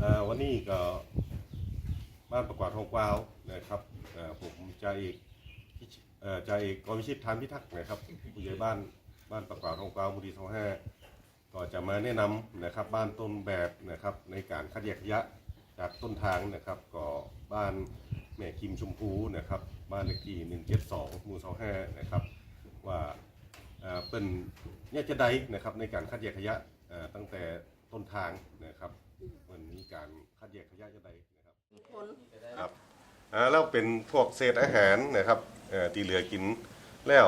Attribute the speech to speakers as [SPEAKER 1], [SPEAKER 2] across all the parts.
[SPEAKER 1] วันนี้ก็บ้านประกวาดทองกวาวนะครับผมจ่าเอกกรวิชิตทานพิทักษ์นะครับผู้ใหญ่บ้านประกวาดทองกวาวหมู่ที่25ก็จะมาแนะนำนะครับบ้านต้นแบบนะครับในการคัดแยกขยะจากต้นทางนะครับก็บ้านแม่คิมชมพูนะครับบ้านเลขที่172หมู่25นะครับว่าเป็นเนี่ยจะได้นะครับในการคัดแยกขยะตั้งแต่ต้นทางนะครับวันนี้การคัดแยกขยะจะได้นะครับครับแล้วเป็นพวกเศษอาหารนะครับที่เหลือกินแล้ว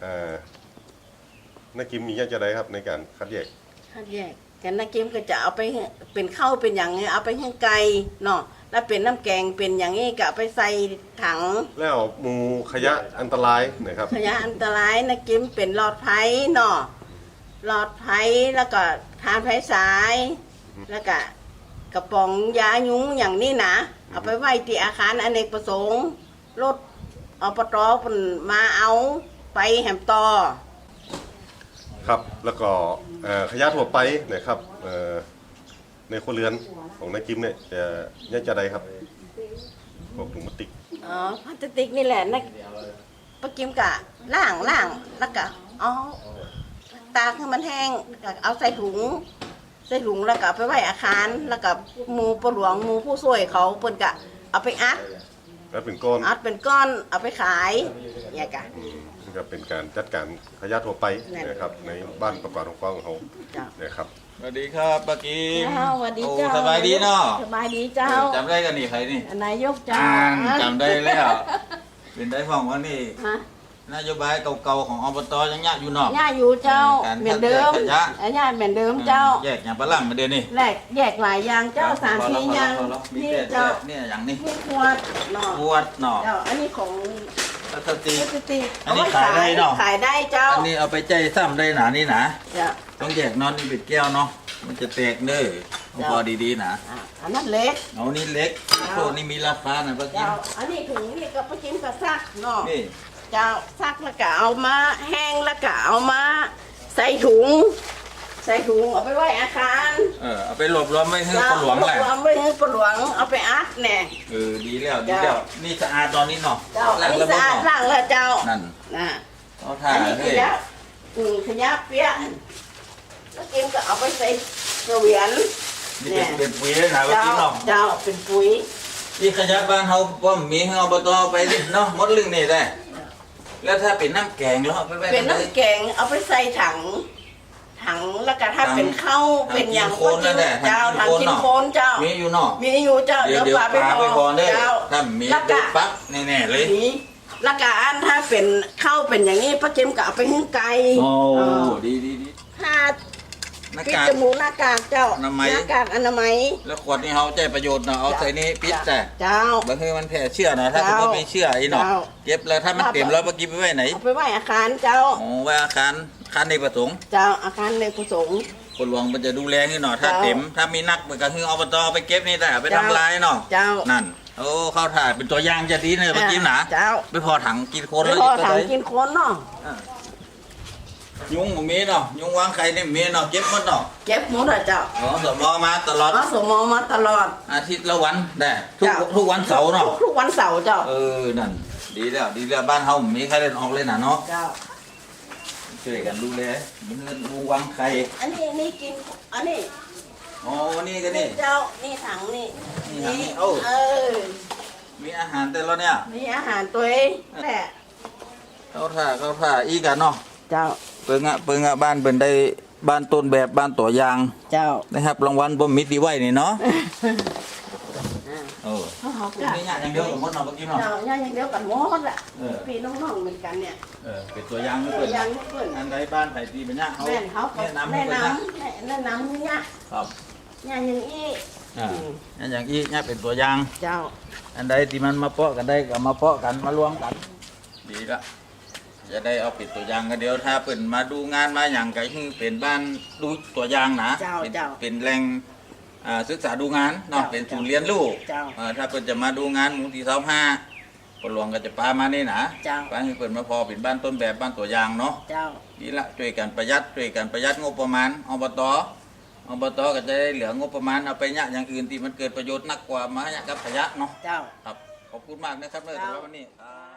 [SPEAKER 1] นักกิมมีจะได้ครับในการคัดแยก
[SPEAKER 2] กันนักกิมก็จะเอาไปเป็นข้าวเป็นอย่างนี้เอาไปให้ไก่เนาะแล้วเป็นน้ำแกงเป็นอย่างนี้ก็ไปใส่ถัง
[SPEAKER 1] แล้วหมู่ขยะอันตรายนะครับ
[SPEAKER 2] ขยะอันตรายนักกิมเป็นหลอดไฟเนาะหลอดไฟแล้วก็ทานไฟสายแล้วก็กระป๋องยายุงอย่างนี้นะเอาไปไว้ที่อาคารอเนกประสงค์รถปต.มาเอาไปแหมต่อ
[SPEAKER 1] ครับแล้วก็ขยะทั่วไปนะครับในครัวเรือนของนายกิมเนี่ยจะได้ครับพวกถุงพลาสติก
[SPEAKER 2] พลาสติกนี่แหละนักป้ากิมกะล่างแล้วก็ตากให้มันแห้งเอาใส่ถุงแล้วก็ไปไว้อาคารแล้วก็หมู่ปหลวงหมู่ผู้ช่วยเขาเปิ้นกะเอาไปอัด
[SPEAKER 1] เป็นก้อน
[SPEAKER 2] เอาไปขายเนี่ยกะ
[SPEAKER 1] ก็เป็นการจัดการขยะทั่วไปนะครับในบ้านประกวาดของเขานะครับ
[SPEAKER 3] สวัสดีครับป้ากิม
[SPEAKER 2] สวัสดีเจ้า
[SPEAKER 3] สบายดีเนาะ
[SPEAKER 2] สบายดีเจ้า
[SPEAKER 3] จำได้กันนี่ใครนี่
[SPEAKER 2] นายกเจ้า
[SPEAKER 3] จำได้แล้วเป็นได้ฟังว่านี่นโยบายเก่าๆของอบตยังยากอยู่เนาะ
[SPEAKER 2] ยากอยู่เจ้าเหมือนเดิมยากเหมือนเดิมเจ้า
[SPEAKER 3] แยกอย่างปลาล่ำมาเดี๋ยวนี้
[SPEAKER 2] แยกหลายอย่างเจ้า3-4อย่าง
[SPEAKER 3] นี่เจ้าเนี่ยอย่างนี้
[SPEAKER 2] ขวดเนาะเจ้าอันนี้ของ
[SPEAKER 3] พลาสติกอัน
[SPEAKER 2] นี้
[SPEAKER 3] ขายได้เนาะ
[SPEAKER 2] ขายได้เจ้า
[SPEAKER 3] อันนี้เอาไปใจซ้ำได้หนานี่นะต้องแยกนอนนี่ปิดแก้วเนาะมันจะแตกเด้อพอดีๆนะ
[SPEAKER 2] อันนั้นเล็ก
[SPEAKER 3] เอานี่เล็กพวกนี้มีราคานะป้ากิม
[SPEAKER 2] อันนี้ถุงนี่ก็ป้ากิมก็ซักเนาะเจ้าซักแล้วก็เอามาแห้งแล้วก็เอามาใส่ถุงเอาไปไว้อาคาร
[SPEAKER 3] เอาไปหลบล้อมไม่ให้ปลวงแหละ
[SPEAKER 2] ล้อมไม่ให้ปลวงเอาไปอัดแน่
[SPEAKER 3] ดีแล้วนี่สะอาดตอนนี้เนาะ
[SPEAKER 2] ล้างแล้วสะอาดล้างแล้วเจ้า
[SPEAKER 3] นั่น
[SPEAKER 2] เขาถ่ายขยะเปียกแล้วกิมก็เอาไปใส่กระเวียน
[SPEAKER 3] นี่เป็นปุ๋ยเลยนะว่ากินเนาะ
[SPEAKER 2] เจ้าเป็นปุ๋ย
[SPEAKER 3] ที่ขยะบ้านเขาป้อมมีให้อบตไปดิเนาะมดลึงนี่ได้แล้วถ้าเป็นน้ำแกงแล้ว
[SPEAKER 2] เป็นน้ำแกงเอาไปใส่ถังแล้วก็ถ้าเป็นข้าวเป็นอย่าง
[SPEAKER 3] ก็กิน
[SPEAKER 2] เจ้าทำกินโคนเจ้า
[SPEAKER 3] มีอยู่เนาะ
[SPEAKER 2] มีอยู่เจ้า
[SPEAKER 3] เดี๋ยวปลาไปพอเจ้าถ้ามีปั๊บแน่ๆเลย
[SPEAKER 2] แล้วก็อันถ้าเป็นข้าวเป็นอย่างนี้ป้าเจมก็เอาไปให้ไก่
[SPEAKER 3] โอ้ดี
[SPEAKER 2] ถ้าปิดจมูกหน้ากากเจ้าหน้ากากอนามัย
[SPEAKER 3] แล้วขวดนี้เขาใช้ประโยชน์เนาะเอาใส่นี้ปิดแต่
[SPEAKER 2] เจ้า
[SPEAKER 3] บางทีมันแผ่เชื้อนะถ้าคุณไม่เชื่อไอ้เนาะเก็บแล้วถ้ามันเต็มแล้วเมื่อกี้ไปไว้ไหน
[SPEAKER 2] ไปไว้อาคารเจ้า
[SPEAKER 3] ไว้อาคารในประสงค์
[SPEAKER 2] เจ้าอาคารในประสงค์
[SPEAKER 3] คนหลวงมันจะดูแลนี่เนาะถ้าเต็มถ้ามีนักมันก็คืออบตไปเก็บนี่แต่ไปทำลายเนาะ
[SPEAKER 2] เจ้า
[SPEAKER 3] นั่นโอ้เข้าถ่ายเป็นตัวอย่างจะดีเลยเมื่อกี้นะ
[SPEAKER 2] เจ้า
[SPEAKER 3] ไปพอถังกินโคนแล้ว
[SPEAKER 2] พอถังกินโคนเนาะ
[SPEAKER 3] ยุงมีเนาะยุงวางไข่เนี่ยมีเนาะเก็บหมดเนาะ
[SPEAKER 2] เก็บหมดเจ้า
[SPEAKER 3] สมอมาตลอด
[SPEAKER 2] สมอมาตลอด
[SPEAKER 3] อาทิตย์ละวันได้ทุกวันเสาร์เนาะ
[SPEAKER 2] ทุกวันเสาร์เจ้า
[SPEAKER 3] นั่นดีแล้วบ้านเฮามีใครเล่นออกเลยนะเนาะ
[SPEAKER 2] เจ้า
[SPEAKER 3] ช่วยกันดูแลมีเงินวางไข่
[SPEAKER 2] อันนี้กินอันนี้
[SPEAKER 3] นี่ก็นี่
[SPEAKER 2] เจ้านี่ถังนี่
[SPEAKER 3] มีอาหารแต่ละเนี่ย
[SPEAKER 2] มีอาหารตัวเองแหละ
[SPEAKER 3] เข้าท่าอีกกันเนาะ
[SPEAKER 2] เจ้า
[SPEAKER 3] เปิงอะบ้านเป็นได้บ้านต้นแบบบ้านตัวอย่าง
[SPEAKER 2] เจ้า
[SPEAKER 3] นะครับรางวัลบ่มิตรดีไว้นี่เนาะนี่ยากอย่างเดียวกับมดเนาะเมื่อกี้เนาะ
[SPEAKER 2] ยากอย่างเดียวกับมดแหละพี่น้องๆเหมือนกันเนี่ย
[SPEAKER 3] เป็นตัวอย่างไม่เปิดอันใดบ้านไผ่ตีเป็นยากเขาแนะนำ
[SPEAKER 2] นี่ยาก
[SPEAKER 3] ครับ
[SPEAKER 2] ยากอย่างอี้
[SPEAKER 3] อย่างอี้เนี่ยเป็นตัวอย่าง
[SPEAKER 2] เจ้า
[SPEAKER 3] อันใดที่มันมาเปาะกันได้ก็มาเปาะกันมารวมกันดีละจะได้เอาเป็นตัวอย่างกันเดียวถ้าเปิดมาดูงานมาอย่างไกลคือเป็นบ้านดูตัวอย่างนะเป็นแหล่งศึกษาดูงานเนาะเป็นศูนย์เรียนรู้ถ้าเปิดจะมาดูงานหมู่ที่25คนหลวงก็จะพามานี่นะพาให้เปิดมาพอเป็นบ้านต้นแบบบ้านตัวอย่างเนาะดีละช่วยกันประหยัดงบประมาณอบตอบตก็จะได้เหลืองบประมาณเอาไปเนี่ยอย่างอื่นที่มันเกิดประโยชน์นักกว่ามาเนี่ยกับขยะเนาะ
[SPEAKER 2] เจ้า
[SPEAKER 3] ครับขอบคุณมากนะครับเลยสำหรับวันนี้ครับ